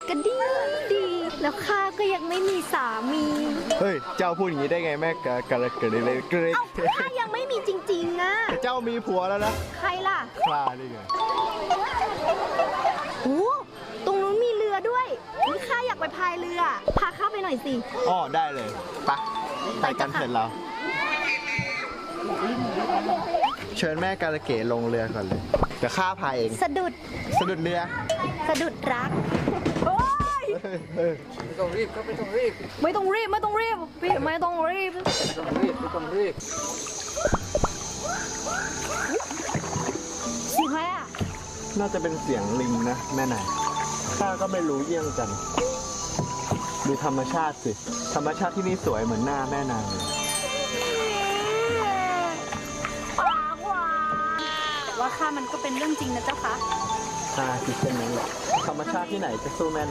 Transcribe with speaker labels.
Speaker 1: ก็ดีดีแล้วข้าก็ยังไม่มีสามี
Speaker 2: เฮ้ยเจ้าพูดอย่างนี้ได้ไงแม่กะกะละเกิดเลยเกร
Speaker 1: เอ้าข้ายังไม่มีจริงๆอะ
Speaker 2: แต่เจ้ามีผัวแล้วนะ
Speaker 1: ใครล่ะ
Speaker 2: คลานี่ไง
Speaker 1: โอ้ตรงนู้นมีเรือด้วยนี่ข้าอยากไปพายเรือ พาข้าไปหน่อยสิ
Speaker 2: อ๋อได้เลยไปกันเสร็จแล้วเชิญแม่กาละเกดลงเรือก่อนเลยเดี๋ยวข้าพายเอง
Speaker 1: สะดุด
Speaker 2: สะดุดเรือ
Speaker 1: สะดุดรัก โอ้ย
Speaker 3: ไม่ต้องรีบครับไม่ต้องรีบ
Speaker 1: ไม่ต้องรีบไม่ต้องรีบพี่ไม่ต้องรีบ
Speaker 3: ไม่ต้องรีบไม่ต้องรีบ
Speaker 1: สิแม่อะ
Speaker 2: น่าจะเป็นเสียงลิงนะแม่นายข้าก็ไม่รู้เยี่ยงกัน ดูธรรมชาติสิ ธรรมชาติที่นี่สวยเหมือนหน้าแม่นางเลย
Speaker 1: ปากหวานแต่ว่าข้ามันก็เป็นเรื่องจริงนะเจ้าคะ
Speaker 2: ข้าคิดเช่นนั้นแหละธรรมชาติที่ไหนจะสู้แม่